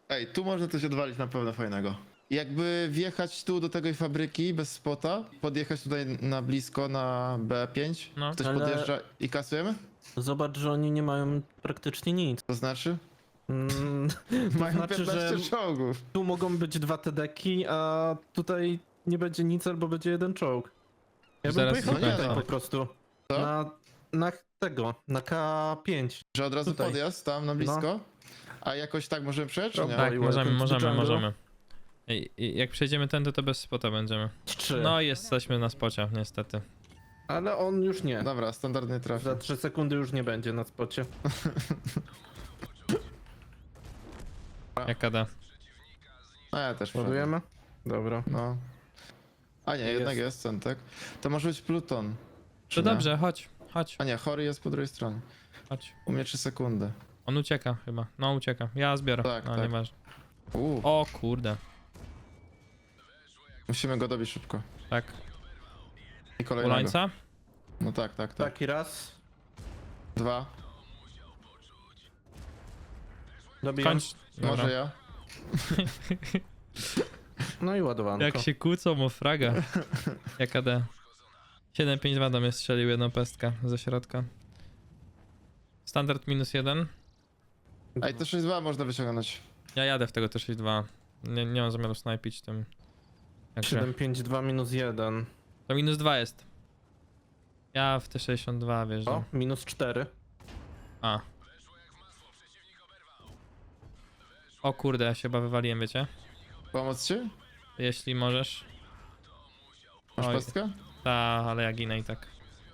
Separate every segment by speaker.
Speaker 1: Ej, tu można coś odwalić na pewno fajnego. Jakby wjechać tu do tej fabryki bez spota, podjechać tutaj na blisko na B5,
Speaker 2: No.
Speaker 1: ktoś
Speaker 3: Ale-
Speaker 1: podjeżdża i kasujemy?
Speaker 3: Zobacz, że oni nie mają praktycznie nic.
Speaker 1: To znaczy?
Speaker 3: To
Speaker 1: Mają
Speaker 3: znaczy,
Speaker 1: 15
Speaker 3: że
Speaker 1: czołgów.
Speaker 3: tu mogą być 2 TD-ki, a tutaj nie będzie nic albo będzie 1 czołg. Ja bym
Speaker 2: Zaraz
Speaker 3: pojechał
Speaker 1: no nie,
Speaker 3: tutaj
Speaker 1: no.
Speaker 3: po prostu.
Speaker 1: Co?
Speaker 3: Na tego, na K5.
Speaker 1: Że od razu
Speaker 3: Tutaj.
Speaker 1: podjazd tam na blisko? A jakoś tak możemy przejechać, czy nie?
Speaker 3: Dobra.
Speaker 2: Tak,
Speaker 3: i
Speaker 2: możemy,
Speaker 3: welcome to
Speaker 2: możemy,
Speaker 3: jungle.
Speaker 2: możemy. I jak przejdziemy tędy, to bez spota będziemy.
Speaker 3: 3.
Speaker 2: No i jesteśmy na spocie, niestety.
Speaker 3: Ale on już nie.
Speaker 1: Dobra, standardny trafik.
Speaker 3: Za 3 sekundy już nie będzie na spocie.
Speaker 2: Jak da.
Speaker 1: A ja też wpadłem.
Speaker 3: Ładujemy? Dobra.
Speaker 1: No. A nie, jednak jest centek. To może być Pluton. czy
Speaker 2: To
Speaker 1: nie?
Speaker 2: dobrze, chodź, chodź,
Speaker 1: A nie, chory jest po drugiej stronie.
Speaker 2: chodź.
Speaker 1: U mnie 3 sekundy.
Speaker 2: On ucieka chyba. No ucieka. Ja zbiorę.
Speaker 1: Tak,
Speaker 2: No
Speaker 1: tak.
Speaker 2: nieważne.
Speaker 1: Uuu,
Speaker 2: O kurde.
Speaker 1: musimy go dobić szybko.
Speaker 2: Tak.
Speaker 1: I kolejnego.
Speaker 2: Ulańca?
Speaker 1: No tak, tak, tak.
Speaker 3: Taki raz.
Speaker 1: 2.
Speaker 3: Dobijam.
Speaker 2: Kończ. Dobra.
Speaker 1: Może ja?
Speaker 3: No i ładowanko.
Speaker 2: Jak się kłócą o fraga. Jaka D? 7-5-2 do mnie strzelił jedną pestkę ze środka. Standard -1.
Speaker 1: Ej, to 6-2 można wyciągnąć.
Speaker 2: Ja jadę w tego T62. Nie mam zamiaru snajpić tym. Także.
Speaker 3: 752 minus 1.
Speaker 2: To -2 jest. Ja w T62 wjeżdżam.
Speaker 3: O, minus 4.
Speaker 2: A. O kurde, ja się chyba wywaliłem, wiecie?
Speaker 1: Pomóc ci?
Speaker 2: Jeśli możesz.
Speaker 1: Masz
Speaker 2: Oj.
Speaker 1: pestkę?
Speaker 2: Ta, ale ja ginę i tak.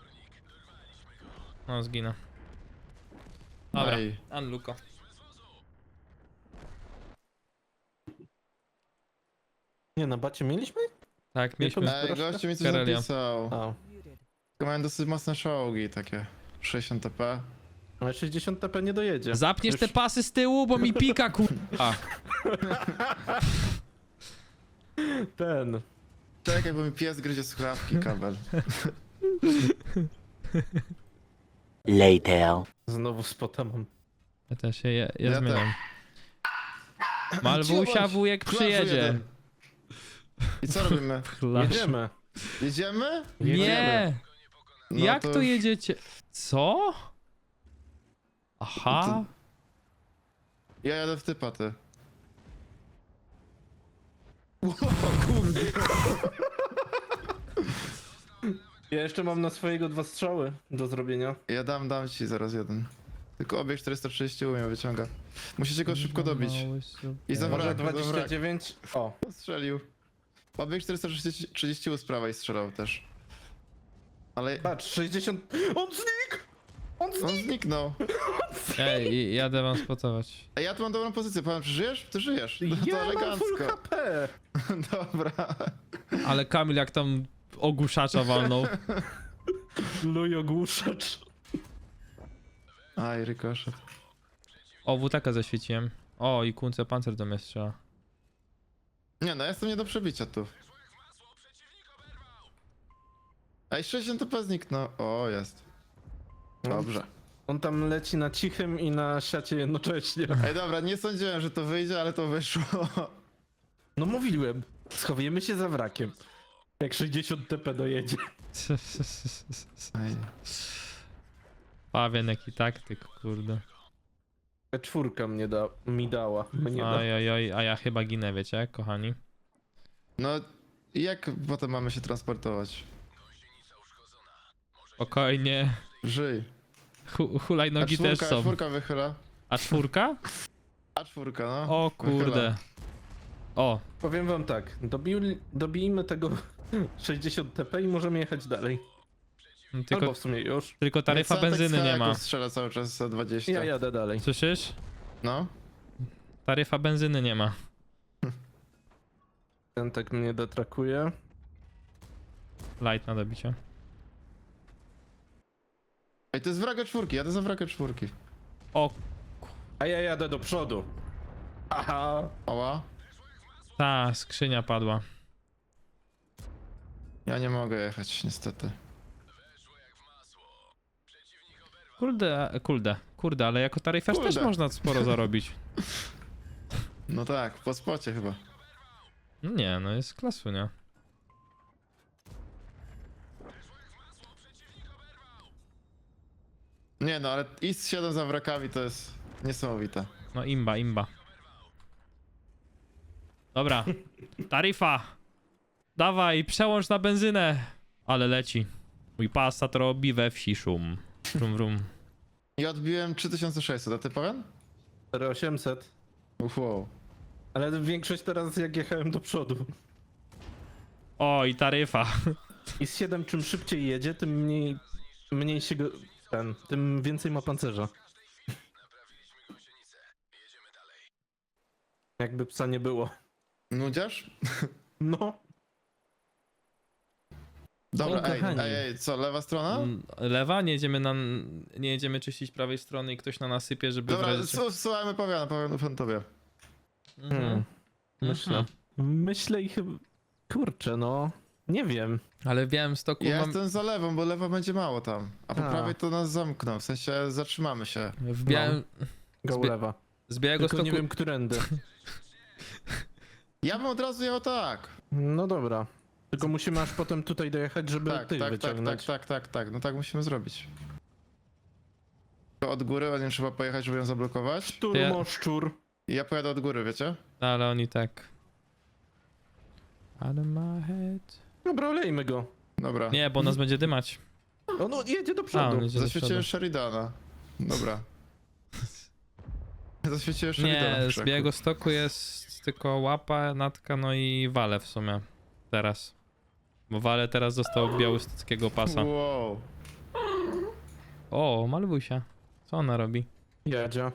Speaker 2: No, zginę. Dobra,
Speaker 1: Ej.
Speaker 2: Unluko.
Speaker 3: Nie, na bacie mieliśmy?
Speaker 2: Tak, mieliśmy.
Speaker 1: Ej, gościu mi coś
Speaker 2: Karelia.
Speaker 1: napisał.
Speaker 3: A.
Speaker 1: Tylko mają dosyć mocne czołgi, takie 60 TP.
Speaker 3: Ale 60 TP nie dojedzie.
Speaker 2: Zapniesz
Speaker 3: Już-
Speaker 2: te pasy z tyłu, bo mi pika, kurwa.
Speaker 3: Ten.
Speaker 1: Czekaj, bo mi pies gryzie słuchawki, kabel.
Speaker 4: Later.
Speaker 3: Znowu spota mam.
Speaker 2: Ja też się
Speaker 1: Ja
Speaker 2: zmieniam. Malwusia
Speaker 1: bądź.
Speaker 2: wujek
Speaker 1: Klaszcz
Speaker 2: przyjedzie.
Speaker 1: jeden. I co robimy?
Speaker 2: Klasz.
Speaker 3: Jedziemy.
Speaker 1: Jedziemy?
Speaker 2: Nie!
Speaker 1: No
Speaker 2: Jak to
Speaker 1: już-
Speaker 2: jedziecie? Co? Aha.
Speaker 1: Ja jadę w typa, ty.
Speaker 3: Ja jeszcze mam na swojego 2 strzały do zrobienia.
Speaker 1: Ja dam ci zaraz jeden. Tylko obieg 430 umiem, wyciąga. Musicie go szybko dobić. I za
Speaker 3: Może
Speaker 1: wrak, za wrak.
Speaker 3: 29? O.
Speaker 1: Strzelił. Obieg 430 u z prawej strzelał też. Ale
Speaker 3: Patrz, 60... On znikł! On
Speaker 1: on
Speaker 3: znikł!
Speaker 1: zniknął.
Speaker 2: Ej, jadę wam spotować.
Speaker 1: Ej, ja tu mam dobrą pozycję. Pan, czy żyjesz? Ty żyjesz. No to
Speaker 3: Ja mam full
Speaker 1: elegancko.
Speaker 3: HP!
Speaker 1: Dobra.
Speaker 2: Ale Kamil jak tam ogłuszacza walnął.
Speaker 3: Luj ogłuszacz.
Speaker 1: Aj, rykoszet.
Speaker 2: O, WTK zaświeciłem. O, i Kunce pancer do mnie strzela.
Speaker 1: Nie no, jestem nie do przebicia tu. Ej, 60 TP zniknął. O, jest. Dobrze.
Speaker 3: On tam leci na cichym i na siacie jednocześnie.
Speaker 1: Ej, dobra, nie sądziłem, że to wyjdzie, ale to wyszło.
Speaker 3: No mówiłem. Schowujemy się za wrakiem. Jak 60 TP dojedzie.
Speaker 1: Ej.
Speaker 2: Pawian jaki taktyk, kurde.
Speaker 3: Czwórka mi dała. Mnie da.
Speaker 2: Oj, oj, oj, a ja chyba ginę, wiecie, kochani.
Speaker 1: No, i jak potem mamy się transportować?
Speaker 2: Spokojnie.
Speaker 1: Żyj.
Speaker 2: Hulajnogi też są.
Speaker 1: czwórka wychyla.
Speaker 2: A czwórka?
Speaker 1: A czwórka, no.
Speaker 2: O kurde. O,
Speaker 3: Powiem wam tak. Dobijmy tego 60 TP i możemy jechać dalej.
Speaker 2: tylko,
Speaker 3: Albo w sumie już.
Speaker 2: tylko taryfa
Speaker 1: Centek
Speaker 2: benzyny nie ma.
Speaker 1: Stajaków strzela cały czas za 20.
Speaker 3: Ja jadę dalej.
Speaker 2: Słyszysz?
Speaker 1: No.
Speaker 2: Taryfa benzyny nie ma.
Speaker 3: Ten tak mnie detrakuje.
Speaker 2: Light na dobicie.
Speaker 1: Ej, to jest wraga czwórki, jadę za wraga czwórki.
Speaker 2: O,
Speaker 3: A ja jadę do przodu. Aha.
Speaker 1: Oła.
Speaker 2: ta skrzynia padła.
Speaker 1: Ja nie mogę jechać, niestety.
Speaker 2: Kurde, ale jako taryfarz
Speaker 1: Kurde.
Speaker 2: też można sporo zarobić.
Speaker 1: No tak, po spocie chyba.
Speaker 2: No nie, no jest klasu, nie?
Speaker 1: Nie no, ale IS 7 za wrakami to jest niesamowite.
Speaker 2: No imba, imba. Dobra, taryfa. Dawaj, przełącz na benzynę. Ale leci. Mój Passat robi we wsi szum. Wrum, wrum.
Speaker 1: I odbiłem 3600, a ty pewien?
Speaker 3: 4800.
Speaker 1: Wow.
Speaker 3: Ale większość teraz jak jechałem do przodu.
Speaker 2: O, i taryfa.
Speaker 3: I z 7 czym szybciej jedzie, tym mniej się go... tym więcej ma pancerza. Jakby psa nie było.
Speaker 1: Nudziarz?
Speaker 3: No.
Speaker 1: Dobra,
Speaker 3: O,
Speaker 1: ej,
Speaker 3: kochani.
Speaker 1: ej, co, lewa strona?
Speaker 2: Lewa, nie jedziemy czyścić prawej strony i ktoś na nasypie, żeby w
Speaker 1: Dobra,
Speaker 2: razie...
Speaker 1: słuchajmy Pawiana, Pawian ufam tobie.
Speaker 2: Mhm.
Speaker 3: Myślę. Myślę i chyba... Kurczę, no. Nie wiem.
Speaker 2: Ale w Białymstoku
Speaker 1: Ja
Speaker 2: mam...
Speaker 1: jestem za lewą, bo lewa będzie mało tam. A po
Speaker 3: A.
Speaker 1: prawej to nas zamkną, w sensie zatrzymamy się.
Speaker 2: W Białym...
Speaker 3: Go
Speaker 2: Zbie-
Speaker 3: lewa.
Speaker 2: Z
Speaker 3: Tylko
Speaker 2: Białegostoku...
Speaker 3: nie wiem, którędy.
Speaker 1: Ja bym od razu jechał tak.
Speaker 3: No dobra. Tylko musimy aż potem tutaj dojechać, żeby
Speaker 1: Tak,
Speaker 3: tych
Speaker 1: tak, tak,
Speaker 3: wyciągnąć.
Speaker 1: tak. No tak musimy zrobić. To od góry, ładnie trzeba pojechać, żeby ją zablokować.
Speaker 3: Szturmoszczur.
Speaker 1: I ja pojadę od góry, wiecie?
Speaker 2: Ale oni tak... Out of my head...
Speaker 3: Dobra, olejmy go.
Speaker 1: Dobra.
Speaker 2: Nie, bo nas będzie dymać.
Speaker 3: O, no jedzie do
Speaker 2: A,
Speaker 3: przodu.
Speaker 2: on jedzie do
Speaker 1: Zaświeciłem
Speaker 2: przodu.
Speaker 1: Sheridana. Dobra. Zaświeciłem Sheridana.
Speaker 2: Nie,
Speaker 1: w
Speaker 2: z
Speaker 1: krzaku.
Speaker 2: Białegostoku jest tylko łapa, natka, no i wale w sumie. Teraz. Bo wale teraz dostał białostockiego pasa.
Speaker 1: Wow.
Speaker 2: O, Malwusia. Co ona robi?
Speaker 3: Jadzia.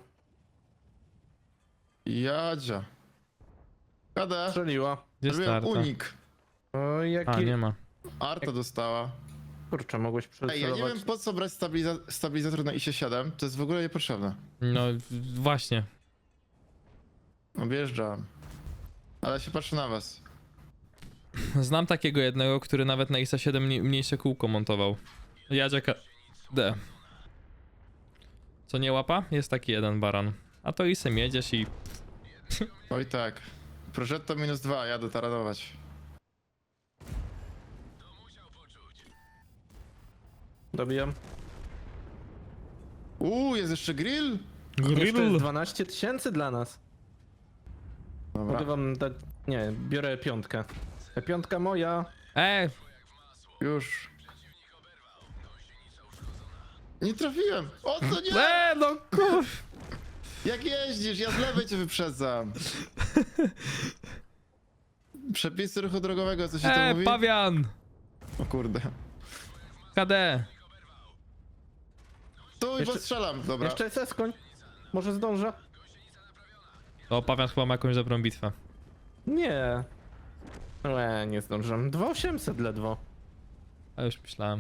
Speaker 1: Jadzia. KD.
Speaker 3: Strzeliła.
Speaker 2: Gdzie
Speaker 1: Zrobiłem
Speaker 2: starta?
Speaker 1: unik.
Speaker 3: O,
Speaker 2: A,
Speaker 3: jaki...
Speaker 2: nie ma.
Speaker 1: Arta dostała.
Speaker 3: Kurczę, mogłeś
Speaker 1: Ej, ja nie
Speaker 3: przecelować.
Speaker 1: wiem po co brać stabilizator na ISie 7. To jest w ogóle niepotrzebne.
Speaker 2: No właśnie.
Speaker 1: Objeżdżam. Ale się patrzę na was.
Speaker 2: Znam takiego jednego, który nawet na ISA 7 mniejsze kółko montował. Jadziaka D. Co nie łapa? Jest taki jeden baran. A to ISem jedziesz i...
Speaker 1: Oj tak. Progetto -2, jadę taranować.
Speaker 3: Dobijam.
Speaker 1: Jest jeszcze grill?
Speaker 3: Jeszcze jest 12 000 dla nas.
Speaker 1: Dobra.
Speaker 3: Mogę wam dać... Nie, biorę piątkę. Piątka moja.
Speaker 1: Już. Nie trafiłem! O co nie?
Speaker 2: No kur...
Speaker 1: Jak jeździsz? Ja z lewej cię wyprzedzam. Przepisy ruchu drogowego, co się to mówi?
Speaker 2: Pawian!
Speaker 1: O kurde.
Speaker 2: KD.
Speaker 1: Tu i
Speaker 3: Jeszcze-
Speaker 1: postrzelam, dobra.
Speaker 3: Jeszcze jest koń. Może zdążę?
Speaker 2: O, Pawian chyba ma jakąś dobrą bitwę.
Speaker 3: Nie. Nie zdążę. 2800 ledwo.
Speaker 2: A już myślałem.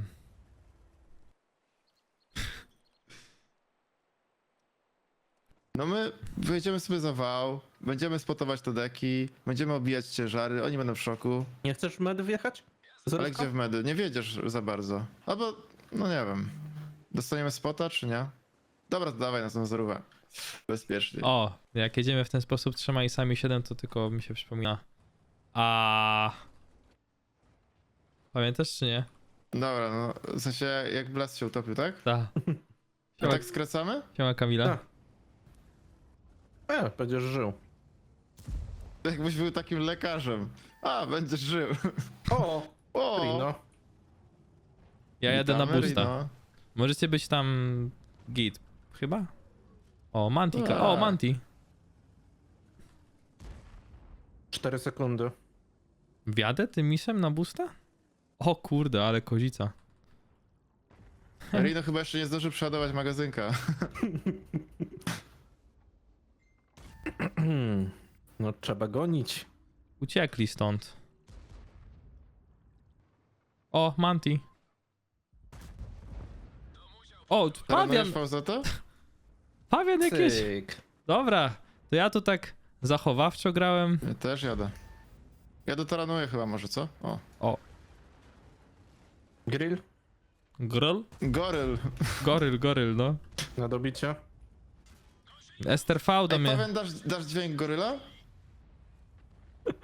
Speaker 1: No my wyjedziemy sobie za wał, będziemy spotować te deki, będziemy obijać ciężary, oni będą w szoku.
Speaker 3: Nie chcesz med wjechać?
Speaker 1: Ale
Speaker 3: Zerówka?
Speaker 1: gdzie w medy? Nie wiedziesz za bardzo. Albo, no nie wiem. Dostaniemy spota, czy nie? Dobra, to dawaj na tą zerówę. Bezpiecznie.
Speaker 2: O, jak jedziemy w ten sposób trzema i sami 7, to tylko mi się przypomina. A. Pamiętasz czy nie?
Speaker 1: Dobra, no w sensie jak Blast się utopił, tak?
Speaker 2: Ta.
Speaker 1: I tak skracamy?
Speaker 2: Siema Kamila.
Speaker 3: Tak. Będziesz żył.
Speaker 1: Jakbyś był takim lekarzem. A, będziesz żył.
Speaker 3: O!
Speaker 1: O!
Speaker 3: Rino.
Speaker 2: Ja jadę na
Speaker 1: Witamy,
Speaker 2: boosta.
Speaker 1: Rino.
Speaker 2: Możecie być tam git, chyba? O, Mantika.
Speaker 1: Tak.
Speaker 2: O, Manti.
Speaker 3: 4 sekundy.
Speaker 2: Wjadę tym misem na boosta? O kurde, ale kozica.
Speaker 1: Rino chyba jeszcze nie zdążył przeładować magazynka.
Speaker 3: No trzeba gonić.
Speaker 2: Uciekli stąd. O, Manti. O, Pawian!
Speaker 1: Taranujesz VZ?
Speaker 2: Pawian jakieś.
Speaker 3: Cyk.
Speaker 2: Dobra, to ja tu tak zachowawczo grałem.
Speaker 1: Ja też jadę. Ja dotaranuję chyba może, co? O.
Speaker 2: O,
Speaker 3: Grill
Speaker 2: grill?
Speaker 1: Goryl.
Speaker 2: Goryl, no.
Speaker 3: na dobicie.
Speaker 2: Ester V do
Speaker 1: Ej,
Speaker 2: mnie.
Speaker 1: Paweł, dasz dźwięk goryla?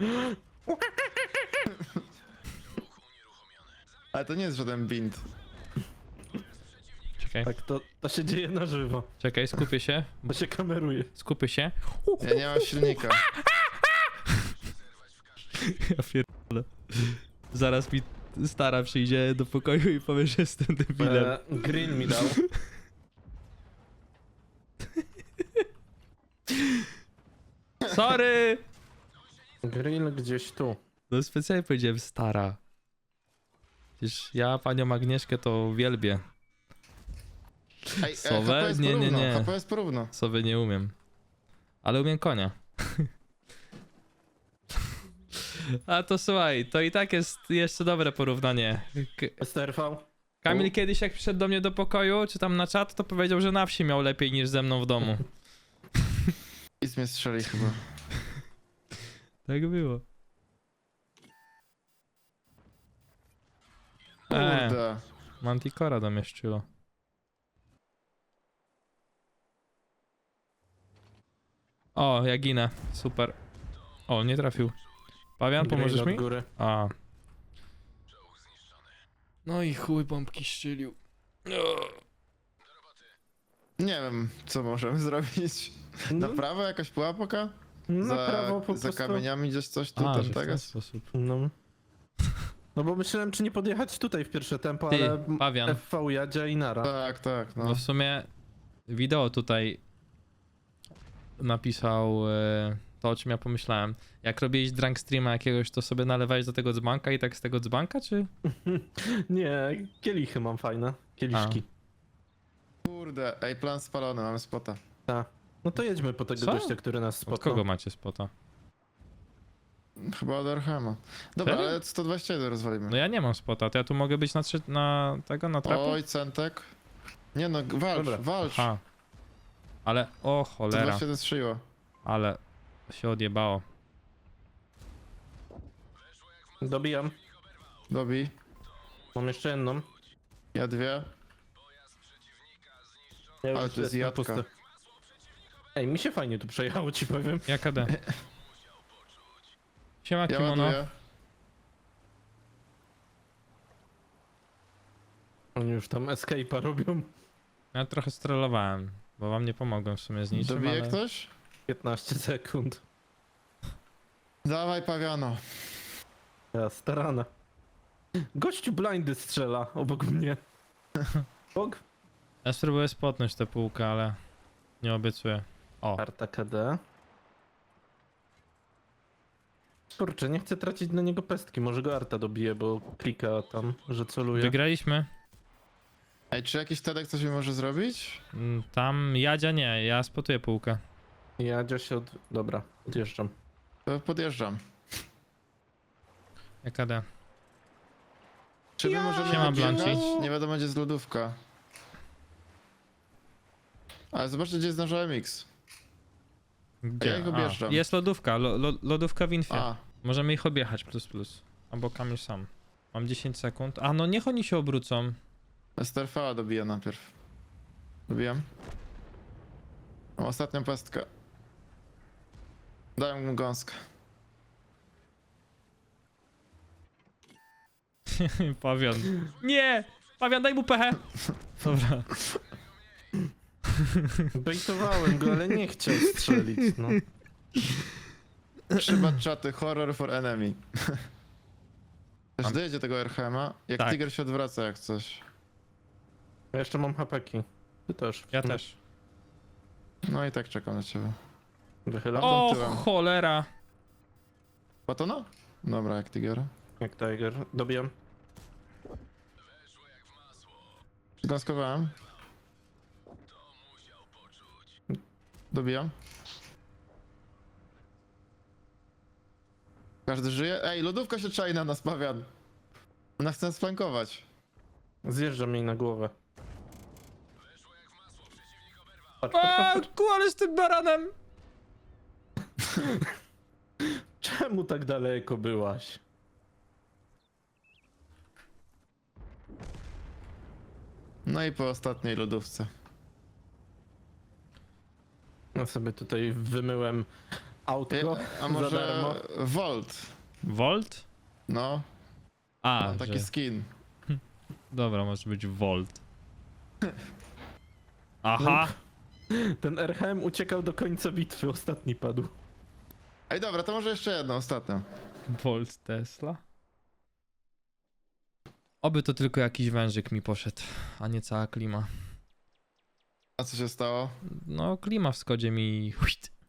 Speaker 1: Ale to nie jest żaden bind.
Speaker 2: Czekaj,
Speaker 3: Tak, to się dzieje na żywo.
Speaker 2: czekaj, skupię się.
Speaker 3: To się kameruje.
Speaker 2: Skupię się.
Speaker 1: Ja nie mam silnika.
Speaker 2: Ja pierdolę. Zaraz mi stara przyjdzie do pokoju i powie, że jestem debilem.
Speaker 3: Grill mi dał.
Speaker 2: Sorry!
Speaker 3: Grill gdzieś tu.
Speaker 2: No specjalnie powiedziałem stara. Przecież ja panią Agnieszkę to wielbię.
Speaker 1: Ej,
Speaker 2: Sowe?
Speaker 1: HP jest
Speaker 2: Nie, nie,
Speaker 1: porówno,
Speaker 2: nie.
Speaker 1: HP jest porówno.
Speaker 2: Sobie nie umiem. Ale umiem konia. A to słuchaj, to i tak jest jeszcze dobre porównanie.
Speaker 3: STRV?
Speaker 2: Kamil kiedyś jak przyszedł do mnie do pokoju, czy tam na czat, to powiedział, że na wsi miał lepiej niż ze mną w domu.
Speaker 1: Nic mnie strzeli chyba.
Speaker 2: Tak było.
Speaker 1: Kurde.
Speaker 2: Manticora domieszczyło. O, ja ginę. Super. O, nie trafił. Pawian,
Speaker 3: Grill
Speaker 2: pomożesz
Speaker 3: od
Speaker 2: mi?
Speaker 3: góry.
Speaker 2: A. No i chuj bombki strzelił.
Speaker 1: Nie wiem, co możemy zrobić. Na prawo jakaś pułapka?
Speaker 3: Na prawo po
Speaker 1: za
Speaker 3: prostu.
Speaker 1: kamieniami gdzieś coś tu,
Speaker 2: A,
Speaker 1: ten
Speaker 2: że w ten
Speaker 1: tego?
Speaker 2: sposób.
Speaker 3: No. No bo myślałem, czy nie podjechać tutaj w pierwsze tempo,
Speaker 2: Ty,
Speaker 3: ale
Speaker 2: Pawian.
Speaker 3: FV jadzia i nara.
Speaker 1: Tak, tak, no.
Speaker 2: No w sumie wideo tutaj napisał to, o czym ja pomyślałem. Jak robiłeś drunk streama jakiegoś, to sobie nalewałeś do tego dzbanka i tak z tego dzbanka, czy?
Speaker 3: Nie, kielichy mam fajne. Kieliszki.
Speaker 1: Kurde, ej, plan spalony, mamy spota.
Speaker 3: Tak. No to jedźmy po tego
Speaker 2: Co?
Speaker 3: gościa, który nas
Speaker 2: Od
Speaker 3: spotkał.
Speaker 2: kogo macie spota?
Speaker 1: Chyba od Archema. Dobra,
Speaker 2: Serio?
Speaker 1: ale 121 rozwalimy.
Speaker 2: No ja nie mam spota, to ja tu mogę być na tego, na trapu?
Speaker 1: Oj, centek. Nie no, walcz,
Speaker 3: Dobra.
Speaker 1: walcz.
Speaker 2: Aha. Ale, o cholera,
Speaker 1: 121 strzeliło.
Speaker 2: ale się odjebało.
Speaker 3: Dobijam.
Speaker 1: Dobij.
Speaker 3: Mam jeszcze jedną.
Speaker 1: Ja dwie.
Speaker 3: Ja już
Speaker 1: Ale to jest
Speaker 3: jestem
Speaker 1: jadka.
Speaker 3: pusty. Ej, mi się fajnie tu przejechało, ci powiem.
Speaker 2: Jaka D? Siema
Speaker 1: Ja
Speaker 2: kimono.
Speaker 1: ładuję.
Speaker 3: Oni już tam escape'a robią.
Speaker 2: Ja trochę strollowałem, bo wam nie pomogłem w sumie z niczym,
Speaker 1: Dobije
Speaker 2: ale...
Speaker 1: ktoś?
Speaker 3: 15 sekund.
Speaker 1: Dawaj, Pawiano.
Speaker 3: Ja starana. Gościu blindy strzela obok mnie. Bog?
Speaker 2: Ja spróbuję spotnąć tę półkę, ale nie obiecuję. O,
Speaker 3: Arta KD. Kurczę, nie chcę tracić na niego pestki. Może go Arta dobije, bo klika tam, że celuje.
Speaker 2: wygraliśmy.
Speaker 1: Ej, czy jakiś Tedek coś mi może zrobić?
Speaker 2: Tam Jadzia nie, ja spotuję półkę.
Speaker 3: Jadzia się od... Dobra, odjeżdżam.
Speaker 1: To podjeżdżam.
Speaker 2: Jaka D?
Speaker 1: Czy my możemy
Speaker 2: Siema,
Speaker 1: wyjechać?
Speaker 2: Blanci.
Speaker 1: Nie wiadomo, gdzie jest lodówka. Ale zobaczcie, gdzie jest nasz OMX.
Speaker 2: Gdzie?
Speaker 1: ja ich objeżdżam.
Speaker 2: Jest lodówka, lodówka w infie.
Speaker 1: A,
Speaker 2: Możemy ich objechać plus plus. Albo Kamil sam. Mam 10 sekund. A no niech oni się obrócą.
Speaker 1: STRV dobiję najpierw. Dobijam. Mam ostatnią pestkę. Daję mu gąskę.
Speaker 2: Pawian. Nie! Pawian, daj mu pechę! Dobra.
Speaker 3: Bejtowałem go, ale nie chciał strzelić, no.
Speaker 1: Trzeba czaty, horror for enemy. Też
Speaker 2: Mam-
Speaker 1: dojedzie tego RHM-a. Jak
Speaker 2: Tak.
Speaker 1: Tiger się odwraca jak coś.
Speaker 3: Ja jeszcze mam hapeki. Ty też.
Speaker 2: Ja też.
Speaker 1: No i tak czekam na ciebie.
Speaker 3: Wychylam.
Speaker 2: O
Speaker 1: tyłem.
Speaker 2: cholera!
Speaker 1: Batona? Dobra, jak Tiger.
Speaker 3: Jak Tiger. Dobijam.
Speaker 1: Zgąskowałem. Dobijam. Każdy żyje? Ej, lodówka się czai na nas, Pawian. Ona chce nas flankować.
Speaker 3: Zjeżdżam jej na głowę. Patrz,
Speaker 2: A, ale z tym baranem!
Speaker 3: Czemu tak daleko byłaś?
Speaker 1: No i po ostatniej lodówce.
Speaker 3: Ja sobie tutaj wymyłem Autko
Speaker 1: A
Speaker 3: za
Speaker 1: może
Speaker 3: darmo.
Speaker 1: Volt?
Speaker 2: Volt?
Speaker 1: No,
Speaker 2: A,
Speaker 1: mam taki
Speaker 2: że...
Speaker 1: skin.
Speaker 2: Dobra, może być Volt. Aha!
Speaker 3: Ten RHM uciekał do końca bitwy, ostatni padł.
Speaker 1: Ej, dobra, to może jeszcze jedno, ostatnio.
Speaker 2: Volt Tesla? Oby to tylko jakiś wężyk mi poszedł, a nie cała klima.
Speaker 1: A co się stało?
Speaker 2: No, klima w Skodzie mi...